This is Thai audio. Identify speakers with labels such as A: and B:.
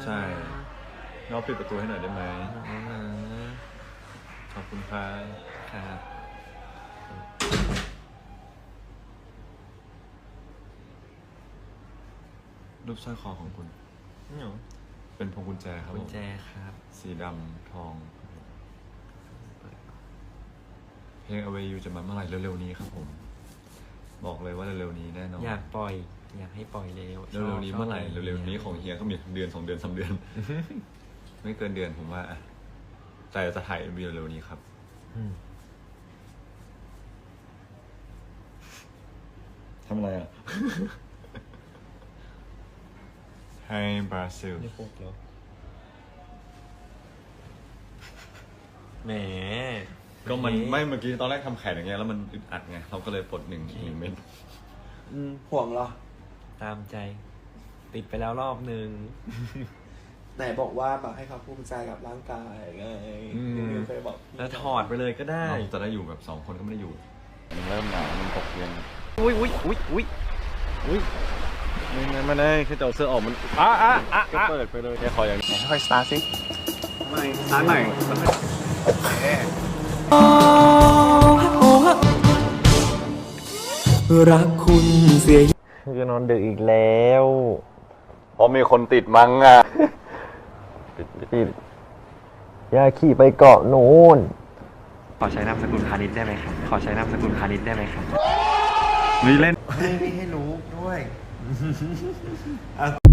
A: ใช่น้องปิดประตูให้หน่อยได้ไหม
B: นะ
A: ขอบคุณครับ
B: ครับ
A: รูปสร้อยคอของคุณ
B: นี่หรอ
A: เป็นพวงกุญแจครับ
B: กุ
A: ผ
B: ญ
A: ม
B: แจครับ
A: สีดำทอง เพลง Away You จะมาเมื่อไหร่เร็วๆนี้ครับผม บอกเลยว่าเร็วๆนี้แน่นอน
B: อยากปล่อย อยากให้ปล่อยเร็ว
A: เร็วๆนี้เมื่อไหร่เร็วๆนี้ของเฮียก็มีเดือน2 เดือน3 เดือน ไม่เกินเดือนผมว่าอะแต่จะถ่าย MV เร็วๆนี้ครับ
B: อืม
A: ทำอะไรอ่ะ ให้บราซิล
B: ไม่พกแล้วแหม
A: ก็มันไม่เมื่อกี้ตอนแรกทำแขนอย่างเงี้ยแล้วมันอึดอัดไงเราก็เลยปลดหนึ่งเม็ด
C: ห่วงเหรอ
B: ตามใจ ติดไปแล้วรอบนึง
C: ไหนบอกว่าแบบให้เขาภูมิใจกับร่างกายไงนิวเคยบอกพี่
B: แล้วถอดไปเลยก็ได้
A: เราจะได้อยู่แบบ2 คนก็ไม่ได้อยู่มันเริ่มหนาวมันตกเย็น
B: อุ้ยอุ้ยอุ้ยอุ้ยอุ้ย
A: ไม่ได้แค่จะเอาเสื้อออกมันก็เปิดไปเลยแค่คอยอย่างนี้
C: ค่อยสตาร์ทสิ
A: ไม่ร้านไหน
C: รักคุณเสีย
B: คือนอนดึกอีกแล้ว
A: เพราะมีคนติดมั้งอ่ะ
B: ปิดอย่าขี่ไปเกาะนู้นขอใช้นามสกุลพาณิชย์ได้ไหมครับ ขอใช้นามสกุลพาณิชย์ได้ไหมครับ
A: นี่เล่น
C: ให้รู้ด้วย